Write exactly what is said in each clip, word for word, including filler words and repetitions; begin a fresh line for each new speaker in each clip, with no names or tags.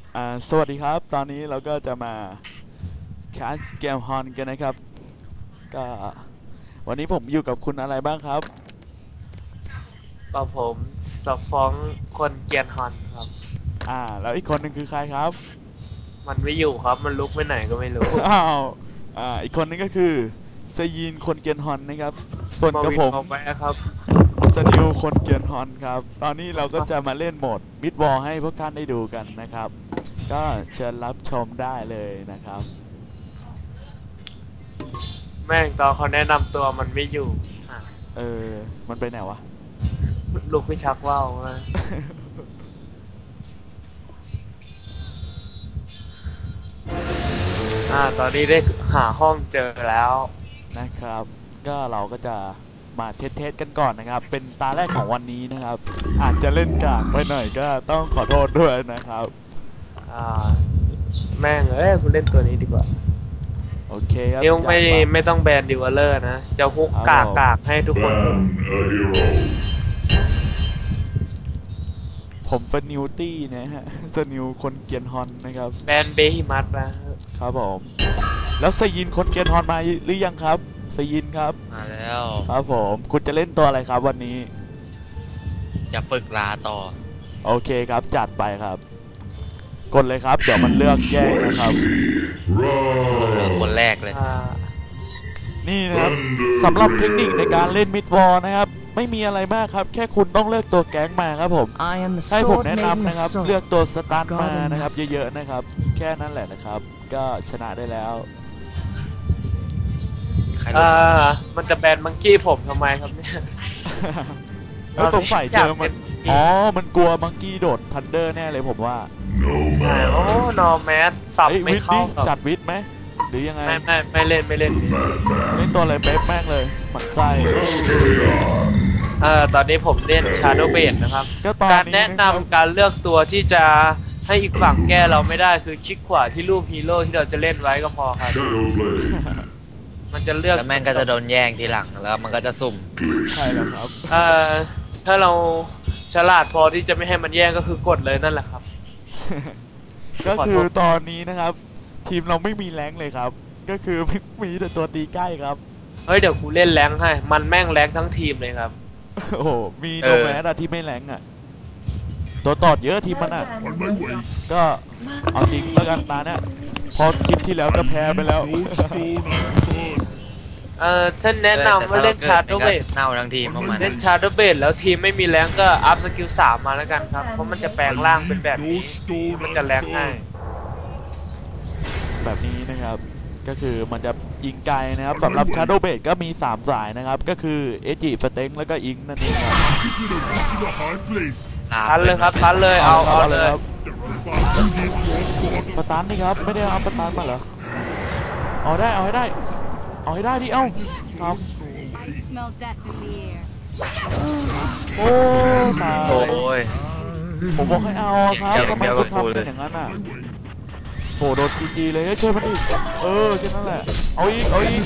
อ่าสวัสดีครับตอนนี้เราก็จะมาแคสเกมฮอนกันนะครับก็วันนี้ผมอยู่กับคุณอะไรบ้างครับ
กับผมสฟ้องคนเกียนฮอนครับ
อ่าแล้วอีกคนหนึ่งคือใครครับ
มันไม่อยู่ครับมันลุกไปไหนก็ไม่รู้
อ้าวอ่าอีกคนนึงก็คือเซยีนคนเกียนฮอนนะครับส่วน
มา
กับผม
วินเอาไปครับ
สนิวคนเกียนฮอนครับตอนนี้เราก็จะมาเล่นโหมดมิดวอลให้พวกท่านได้ดูกันนะครับก็เชิญรับชมได้เลยนะครับ
แม่งตอนเขาแนะนำตัวมันไม่อยู่
เออมันไปไหนวะ
ลุกไปชักว่าวมาอ่าตอนนี้ได้หาห้องเจอแล้ว
นะครับก็เราก็จะมาเทสๆกันก่อนนะครับเป็นตาแรกของวันนี้นะครับอาจจะเล่นกากไปหน่อยก็ต้องขอโทษด้วยนะครับ
อ่าแม่งเอ้ยกูเล่นตัวนี้ดีกว่า
โอเคครับ
ยังไม่ไม่ต้องแบนดิวเลอร์นะจะฮุกกากกากให้ทุกคน
ผมเป็นนิวตี้นะฮะสนิวคนเกียนฮอนนะครับ
แบนเบฮิมัสนะครับ
ผมแล้วสยินคนเกียนฮอนมาหรือยังครับสยินครับ
มาแล้ว
ครับผมคุณจะเล่นตัวอะไรครับวันนี้
จะฝึกลาต่อ
โอเคครับจัดไปครับกดเลยครับเดี๋ยวมันเลือกแยกนะครับ
เลือกคนแรกเลย
นี่นะครับสำหรับเทคนิคในการเล่นมิดวอลนะครับไม่มีอะไรมากครับแค่คุณต้องเลือกตัวแก๊งมาครับผมให้ผมแนะนำนะครับเลือกตัวสตาร์ทมานะครับเยอะๆนะครับแค่นั้นแหละนะครับก็ชนะได้แล้ว
อ่ามันจะแบนมังกี้ผมทำไมครับเนี่ย
แล้วตรงฝ่ายเจอมันอ๋อมันกลัวมังกี้โดดทันเดอร์แน่เลยผมว่า
ใช่โอ้นอแมสสับไม่เข้า
จัดวิทไหมหรือยังไง
ไม่ไม่ไม่เล่นไม่เล่น
เล่นตัวอะไรเป๊ะแม่งเลยหมันไส้
เอ่อตอนนี้ผมเล่น Shadow Blade นะครับการแนะนำการเลือกตัวที่จะให้อีกฝั่งแก้เราไม่ได้คือคลิกขวาที่รูปฮีโร่ที่เราจะเล่นไว้ก็พอครับมันจะเลือก
แล้วแม่งก็จะโดนแย่งทีหลังแล้วมันก็จะสุ่ม
ใช่แล้วครับ
เอ่อถ้าเราฉลาดพอที่จะไม่ให้มันแย่งก็คือกดเลยนั่นแหละครับ
ก็คือตอนนี้นะครับทีมเราไม่มีแรงเลยครับก็คือมีแต่ตัวตีใกล้ครับ
เฮ้ยเดี๋ยวกูเล่นแรงให้มันแม่งแรงทั้งทีมเลยครับ
โอ้มีโนแมสอะที่ไม่แรงอะตัวตอดเยอะทีมมันอะก็เอาจริงแล้วกันตาเนี่ยพอคลิปที่แล้วก็แพ้ไปแล้ว
เออฉันแนะนำว่าเล่นชาร์ดเบด
เน่าทั้งทีมพวกมัน
เล่นชาร์ดเบดแล้วทีมไม่มีแรงก็อัพสกิลสามมาแล้วกันครับเพราะมันจะแปลงร่างเป็นแบบนี้มันจะแรงง่าย
แบบนี้นะครับก็คือมันจะยิงไกลนะครับสำหรับ Shadow Blade ก็มีสามสายนะครับก็คือเอจิสเต็งแล้วก็อิงนั่นเองครับ
ทันเลยครับทันเลยเอาเอาเลย
สตาร์ทนี่ครับไม่ได้เอาสตาร์ทมาเหรอเอาได้เอาให้ได้เอาให้ได้ดิเอ้าครับโอ้ตายผมบอกให้เอาครับทำไมคุณทำเป็นอย่างนั้นอ่ะโหโดนจีจีเลยช่วยมันอีกเออแค่นั้นแหละเอาอีกเอาอีก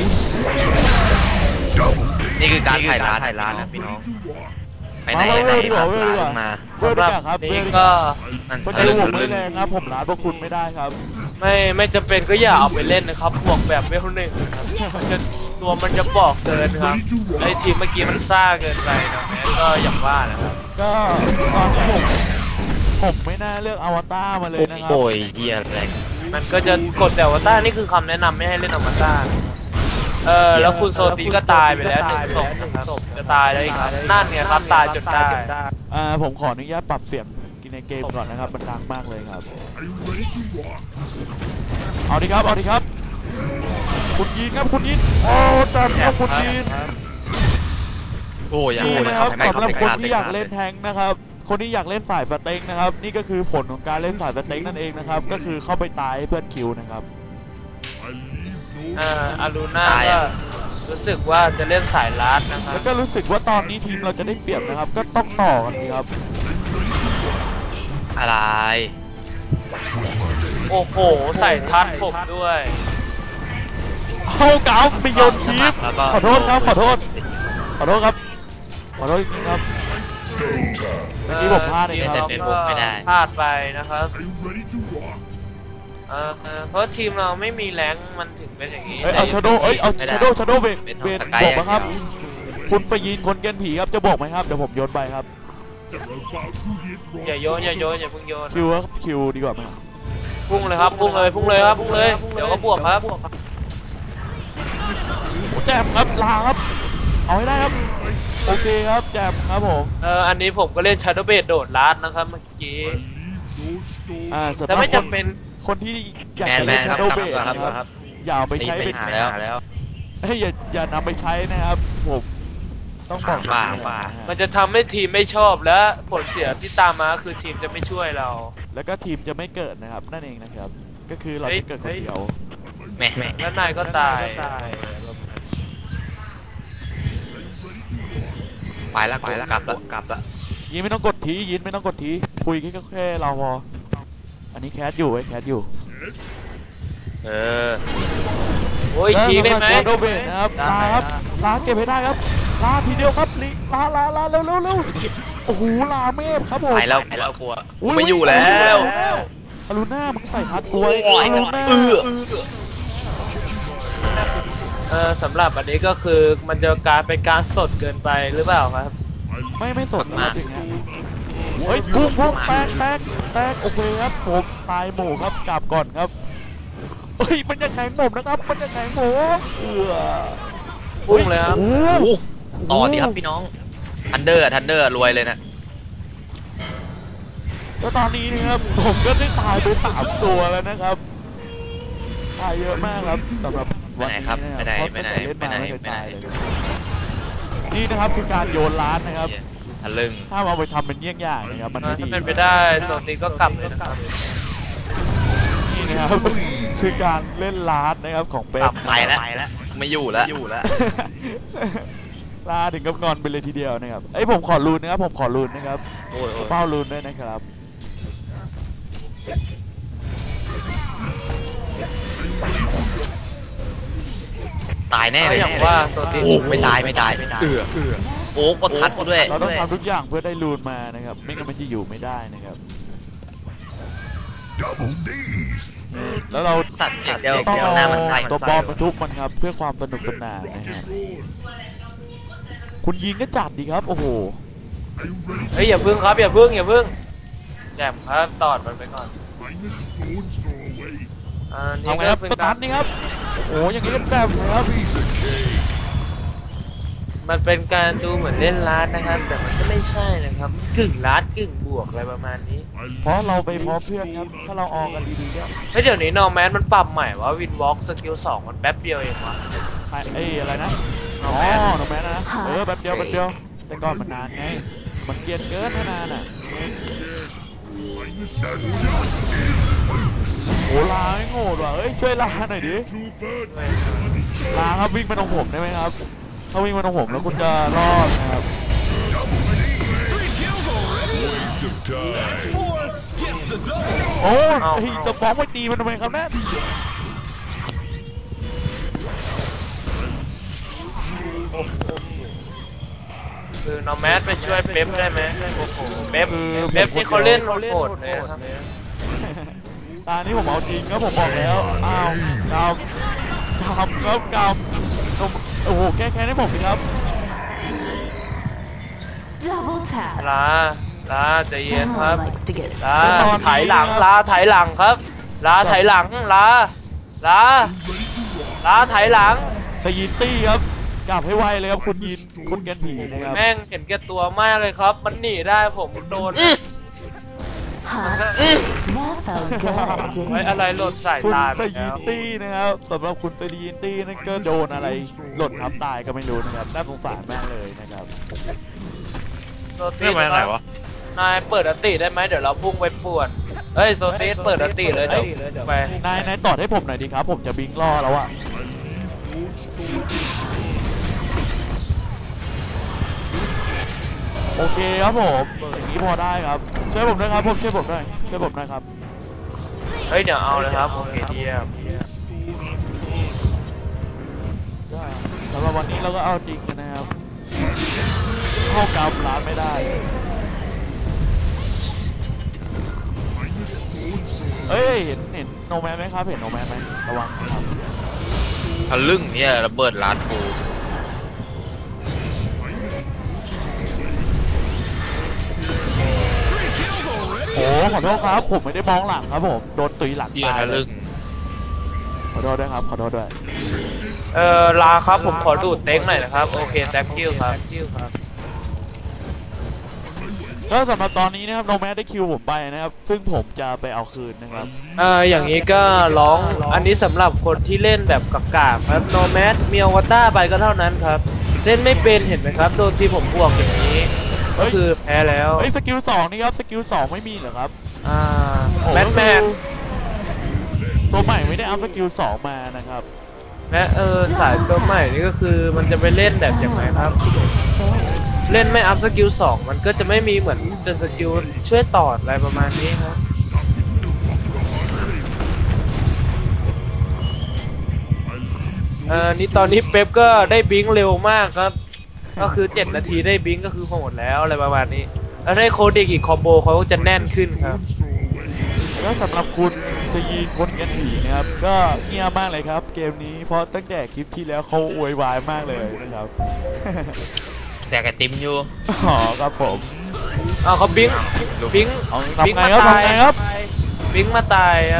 นี่คือการถ่ายร้านถ่ายร้านนะพี่น้องไปไหนไปไหนครับร้านมา
สำหรับนี้ก็
ไม่ได้ห่วงไม่แรงครับผมร้านพวกคุณไม่ได้ครับ
ไม่ไม่จำเป็นก็อย่าเอาไปเล่นนะครับบวกแบบเวลหนึ่งครับจะตัวมันจะบอกเกินครับไอทีมเมื่อกี้มันซ่าเกินไปนะแม้ก็อย่างว่านะครับ
ก็ตอนผมผมไม่น่าเลือกอวตารมาเลยนะครับ
โอ้ยเฮียแรง
มันก็จะกดแต่อวตารนี่คือคำแนะนำไม่ให้เล่นอวตารเออแล้วคุณโซตีก็ตายไปแล้วหนึ่งศพนะครับจะตายแล้วอีกครับนั่นเนี่ยครับตายจนได้
อ่าผมขออนุญาตปรับเสียงกินในเกมก่อนนะครับมันดังมากเลยครับเอาดิครับเอาดิครับคุณยิงครับคุณยิงโอ้จัดครับคุณยิง
โอ้ย
นี่นะครับสำหรับคนที่อยากเล่นแทงนะครับคนที่อยากเล่นสายสเต็งนะครับนี่ก็คือผลของการเล่นสายสเต็งนั่นเองนะครับก็คือเข้าไปตายให้เพื่อนคิวนะครับ
อ่าอารูน่าก็รู้สึกว่าจะเล่นสายลัดนะครับ
แล้วก็รู้สึกว่าตอนนี้ทีมเราจะได้เปรียบนะครับก็ต้องต่อกันดีครับ
อะไร
โอ้โหใส่ทัดผมด้วย
เอาเก๋าไปโยนชีฟขอโทษครับขอโทษขอโทษครับขอโทษจริงครับเมื่อกี้ผมพลาดเองค
แต่
รับ
เฟซบุ๊กไม่ได้พลาดไปนะครับเออเพราะทีมเราไม่มีแรงมันถึงเป็นอย่างนี้
เอ้ยเอาชาโดเอ้ยเอาชาโดชาโดเบนเบนบอกมาครับคุณไปยิงคนเกนผีครับจะบอกไหมครับเดี๋ยวผมโยนไปครับ
อย่าโยนอย่าโยนอย่าพุ่งโยน
คิวครับคิวดีกว่าไหม
พุ่งเลยครับพุ่งเลยพุ่งเลยครับพุ่งเลยเดี๋ยวก็บวกครับ
แจมครับลาครับเอาให้ได้ครับโอเคครับแจมครับผม
เอออันนี้ผมก็เล่นชาโดว์เบดโดดลัดนะครับเมื่อกี้
อ่า
แต่ไม่จำเป็น
คนที่อยาก
แมน
จะ
แม
เล่น
นค
ชา
รับ
โด
กลับ
เบด
ก่อนครับ
นะครับ
ครับ
อย่าเอาไปใช้
ไป
เป็น
หาแล้วแล้ว
เฮ้ยอย่าอย่านำไปใช้นะครับผมต้องบอก
ป่าป่า
มันจะทำให้ทีมไม่ชอบและผลเสียที่ตามมาคือทีมจะไม่ช่วยเรา
แล้วก็ทีมจะไม่เกิดนะครับนั่นเองนะครับก็คือเราจะเกิดคนเดียว
แม่แม่
แล้วนายก็ตาย
ไปแล้วไปแล้วกลับแล้วกลับแล้ว
ยินไม่ต้องกดทียินไม่ต้องกดทีคุยแค่แค่เราพออันนี้แคสอยู่ไอ้แคสอยู่
เออ
โอ้ยทีได้ไหม
ชาโดเบดนะครับลาครับลาเก็บให้ได้ครับลาทีเดียวครับลิลาลาลาเร็วเร็วเร็วโอ้โหลาเมฟครับผม
ไปแล้วไปแล้วกลัวไม่อยู่แล้ว
อลูน่ามึงใส่ทัดกล้วย
โอ้ย
อลูน่า
เออ
เออสำหรับอันนี้ก็คือมันจะการเป็นการสดเกินไปหรือเปล่าครับ
ไม่ไม่สดนะครับอย่างเงี้ยเฮ้ยพุ่งพุ่งแตกแตกแตกโอเคครับผมตายหมู่ครับกลับก่อนครับเฮ้ยมันจะแข็งผมนะครับมันจะแข็งผมเออ
พุ่งเลยครับ
โอ้โห
ต่อดีครับพี่น้องทันเดอร์ทันเดอร์รวยเลยนะ
แล้วตอนนี้นะครับผมก็ได้ตายไปสามตัวแล้วนะครับตายเยอะมากครับสำหรับ
ไปไหนครับไปไหนไปไหนไปไหนไปไหน
นี่นะครับคือการโยนล้านนะครับ
ทะลึ่ง
ถ้าเอาไปทำเป็นเยี่ยงอย่างนะครับมันไม่ดี
ถ้าเป็นไปได้โซนนี้ก็กลับเลยนะครับ
นี่นะครับคือการเล่นล้านนะครับของเป็
กลั
น
บไปแล้วไม่อยู่แล้วอยู่แล้ว
ลาถึงกับงอนไปเลยทีเดียวนะครับไอ้ยผมขอรูนนะครับผมขอรูนนะครับ
โอ้ยโอ้ย
เฝ้ารูนด้วยนะครับ
ตายแน่เลย
อย่างว่าโซนนี้
โอ้ไม่ตายไม่ตายเออโอ้กดทัดกูด้วย
เราต้องทำทุกอย่างเพื่อได้รูนมานะครับไม่งั้นมันจะอยู่ไม่ได้นะครับแล้วเรา
สัตว์อย่างเดียว
ต้อง
หน้ามันใส่
ตัวบอมมาทุบมันครับเพื่อความสนุกสนานนะครับคุณยิงก็จัดดีครับโอ้โห
เฮ้ยอย่าพึ่งครับอย่าพึ่งอย่าพึ่งแจมครับตอดมันไปก่อนอ่านี่
ทำไง
ก็
ครับ
เป็น
ส
กา
ตาร ร์ทนี่ครับโอ้อย่างนี้ก็แบบครับ
มันเป็นการดูเหมือนเล่นล้านนะครับ แต่มันก็ไม่ใช่นะครับกึ่งล้านกึ่งบวกอะไรประมาณนี้
เพราะเราไปพร้อมเพื่อนครับถ้าเราออกกันดีๆเนี่ย
เฮ้ยเดี๋ยวนี้นอร์แมนมันปรับใหม่ว่าวินวอล์กสกิลสองมันแป๊บเดียวเองวะ
ไอ้อะไรนะ
น
อ๋
อ
อ
ร์แมน
น้องแมนนะเออแป๊บเดียวแป๊บเดียวแต่ก่อนมันนานไงมันเกลียดเกินนานอ่ะโอ้ลาไม่โง่ว่ะเอ้ยช่วยลาหน่อยดิลาครับวิ่งไปตรงผมได้ไหมครับถ้าวิ่งไปตรงผมแล้วคุณจะรอดนะครับโอ้ยจะฟ้องไปตีมันทำไมครับแม่
คือนอร์แมนไปช่วยเป๊ปได้ไหมโอ้โหเป๊ปเป๊ปนี่เขาเล่นโหดเลยนะครับ
ตานี้ผมเอาจริงครับผมบอกแล้วอ้าวกำกำครับกำโอ้โหแก้แค้นให้ผมสิครับ
Double tap.
ลาลาใจเย็นครับ
Someone likes to get
ลาถ่ายหลังลาถ่ายหลังครับลาถ่ายหลังลาลาลาถ่ายหลัง
สยินตี้ครับกลับให้ไวเลยครับคุณยินคุณแกนผีนะครับ
แม่งเห็นแก่ตัวมากเลยครับ มันหนีได้ผมโดน
Hot. That felt good,
ไว้
didn't
อะไรหล่นใส่
คุณ
ตา
ส
ไป
ยิ
แล้
น
ว
ตี้นะครับสำหรับคุณสยินตี้นั่นก็โดนอะไรหล่นทับตายก็ไม่รู้นะครับน่าสงสารมากเลยนะครับ
โซตีไหนวะนายเปิดอติได้ไหมเดี๋ยวเราพุ่งไปป่วนเฮ้ยโซตีเปิดอติเลยเดี๋ยวไป
นายนายตอดให้ผมหน่อยดีครับผมจะบิงล่อแล้วอะโอเคครับผมอย่างนี้พอได้ครับช่วยผมด้วยครับผมช่วยผมด้วยช่วยผมด้วยครับ
เฮ้ยเดี๋ยวเอาเลยครับโอเคเดียม
สำหรับวันนี้เราก็เอาจริงกันนะครับเข้ากำร้านไม่ได้เอ้ยเห็นเห็นโนแมนไหมครับเห็นโนแมนไหมระวังครับ
ทะลึ่งเนี่ยระเบิดร้านกู
โอ้ขอโทษครับผมไม่ได้มองหลังครับผมโดนตุยหลัง
เหี้ย
ตาย
ทะ
เล
ลึ่
ย
ง
ขอโทษด้วยครับขอโทษด้วย
เออลาครับผมขอดูดเต็งหน่อยนะครับโอเค thank you ครับ
ก็สำหรับตอนนี้นะครับโนแมนได้คิวผมไปนะครับซึ่งผมจะไปเอาคืนนะครับ
เอออย่างนี้ก็ร้องอันนี้สำหรับคนที่เล่นแบบกากๆครับโนแมสมีอวตารไปก็เท่านั้นครับเล่นไม่เป็นเห็นไหมครับโดนที่ผมบวกอย่างนี้ก็คือแพ้แล้ว
เฮ้ยสกิลสองนี่ครับสกิลสองไม่มีเหรอครับ
อ่าแมทแมน
ตัวใหม่ไม่ได้อัพสกิลสองมานะครับ
แม้เออสายตัวใหม่นี่ก็คือมันจะไปเล่นแบบอย่างไรครับ เล่นไม่อัพสกิลสองมันก็จะไม่มีเหมือนเป็นสกิลช่วยต่ออะไรประมาณนี้ครับเออนี่ตอนนี้เป๊ปก็ได้บิงเร็วมากครับก็คือเจ็ดนาทีได้บิงก็คือโหดแล้วอะไรประมาณนี้แล้วได้โคเด็กอีกคอมโบเขาจะแน่นขึ้นครับ
แล้วสำหรับคุณจะยีนคนกันผีนะครับก็เงียบมากเลยครับเกมนี้เพราะตั้งแต่คลิปที่แล้วเขาอวยวายมากเลยนะครับ
แต่กระติมอยู่
อ๋อครับผม
อ้าวเขาบิงบิง
เอา
บิง
ทำไง
มา
ครับ
ตาย
ทำไงครับ
บิงมาตายครับ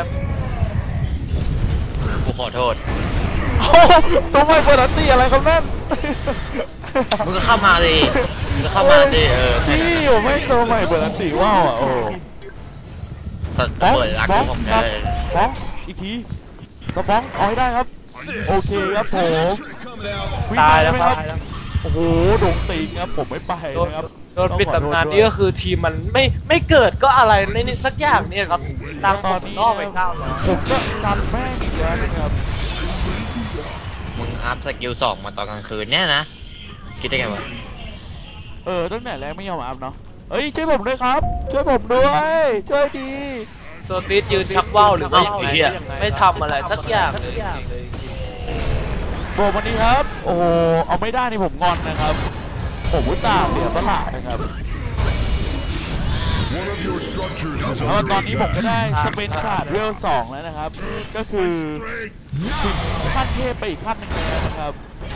กูขอโทษ
โอ้ตัวใหม่เปิดอันตีอะไรครับนั่น
มึงก็เข้ามาดิมึงก็เข้ามาดิเออแค่
พี่
นั้น
ผมไม่ตัวใหม่เปิดอันตีว้าวอ่ะโอ้
ระเบิดรักของผมได้
ฟ้องอีกทีสฟ้องเอาให้ได้ครับโอเคครับผมวิ่ง
ตาย
ไป
แล้ว
ไหม
ค
ค
รั
รั
บบ
โอ้โหโดนตีครับผมไม่ไป
โดน
นะครับ
โดนปิดตำนานนี่ก็คือทีมมันไม่ไม่เกิดก็อะไรในนี้สักอย่างเนี่ยครับตัง
ตอนนี้
นอกไปเก้าแล้ว
ผมก็ดันแม่งอีกแล้วนะครับ
มึงอัพสกิลสองมาตอนกลางคืนเนี่ยนะคิดได้ไงวะ
เออตั้งแต่แรกไม่ยอมอัพเนาะเอ้ยช่วยผมด้วยครับ ช่วยผมด้วยช่วยดี
โซติสยืนชักว่าวหรือว่าอย่างไรไม่ทำอะไรสักอย่างเลยจริง
บอกวันนี้ครับ โอ้โหเอาไม่ได้นี่ผมงอนนะครับ ผมอุตส่าห์เสียสละนะครับแล้วตอนนี้ผมก็ได้สเปนชาร์ดเวลสองแล้วนะครับ ก็คือถึงขั้นเทพไปอีกขั้นหนึ่งแล้วนะครับ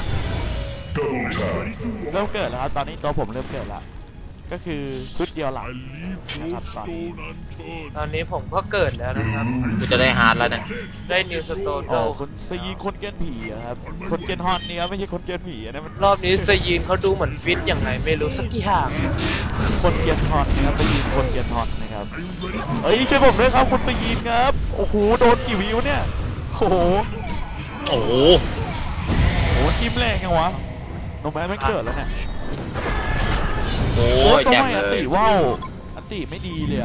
เริ่มเกิดแล้วครับตอนนี้ตัวผมเริ่มเกิดแล้วก็คือชุดเดียวหลังนะครับตอนนี้
ตอนนี้ผมก็เกิดแล้วนะครับ
กูจะได้ฮาร์ดแล้วเนี่ย
ได้นิวสโตน
โอ้คนสยีคนเกนผีอะครับคนเกนฮอนนี่ครับไม่ใช่คนเกนผีนะมัน
รอบนี้สยีนเขาดูเหมือนฟิตอย่างไรไม่รู้สักอย่าง
คนเกนฮอนนะครับไปยิงคนเกนฮอนนะครับเอ้ยช่วยผมด้วยครับคุณไปยิงครับโอ้โหโดนกี่วิวเนี่ยโอ้โห
โอ้โห
โอ้โหจิ้มแรงยังวะโนแมนไม่เกิดแล้วเนี่ย
โอ้
โอ้
ย
ย
แจ็ค
ทำไม
เล
อันติ
ย
ว่าวอันติไม่ดีเลยอะ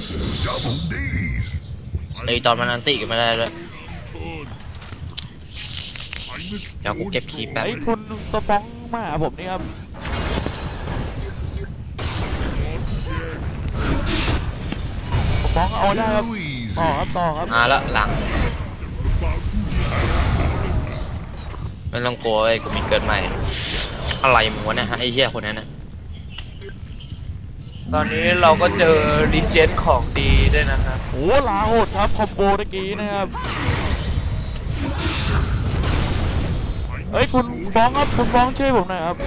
ไอตอนมันอันติกันไม่ได้เลยเดี๋ยวกูเก็บคีย์แป๊บ
ไอ้คุณสฟองมาหาผมนี่ครับสฟองเอาได้ครับต่อครับต่อครับ
มาแล้วหลังไม่ต้องกลัวไอ้ยกูมีเกิดใหม่อะไรมึงวะเนี่ยฮะไอ้เหี้ยคนนั้นนะ
ตอนนี้เราก็เจอรีเจนของดีด้วยนะครับ
โอ้ลาโหดครับคอมโบตะกี้นะครับเฮ้ยคุณฟ้องครับคุณฟ้องช่วยผมหน่อยครับ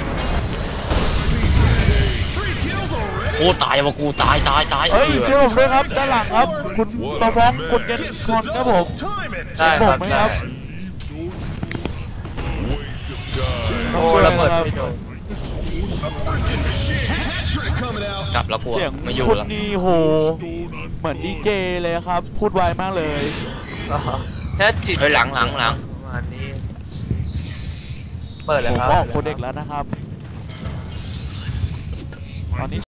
โอ้ตายวะกูตายตายตาย
เฮ้ยช่วยผมด้วยครับด้านหลังครับ คุณสฟ้องคุณเกนคอนครับผม
ใช่ค
บอ
รั
ก
บ
ไหม
ใช่
ครับ
โอ้ระเบิดไม่โดน
กลับแล้วกู
เสียง
ไม่อยู่
คุณ
แล้ว
นี่โหเหมือนดีเจเลยครับ พูดไวมากเลย
แค่จิต
เฮ้ยหลังหลังหลัง
ประมาณนี้เปิดเลย
ผม
ครับ
บอกโคเด็กแล้วนะครับตอนนี้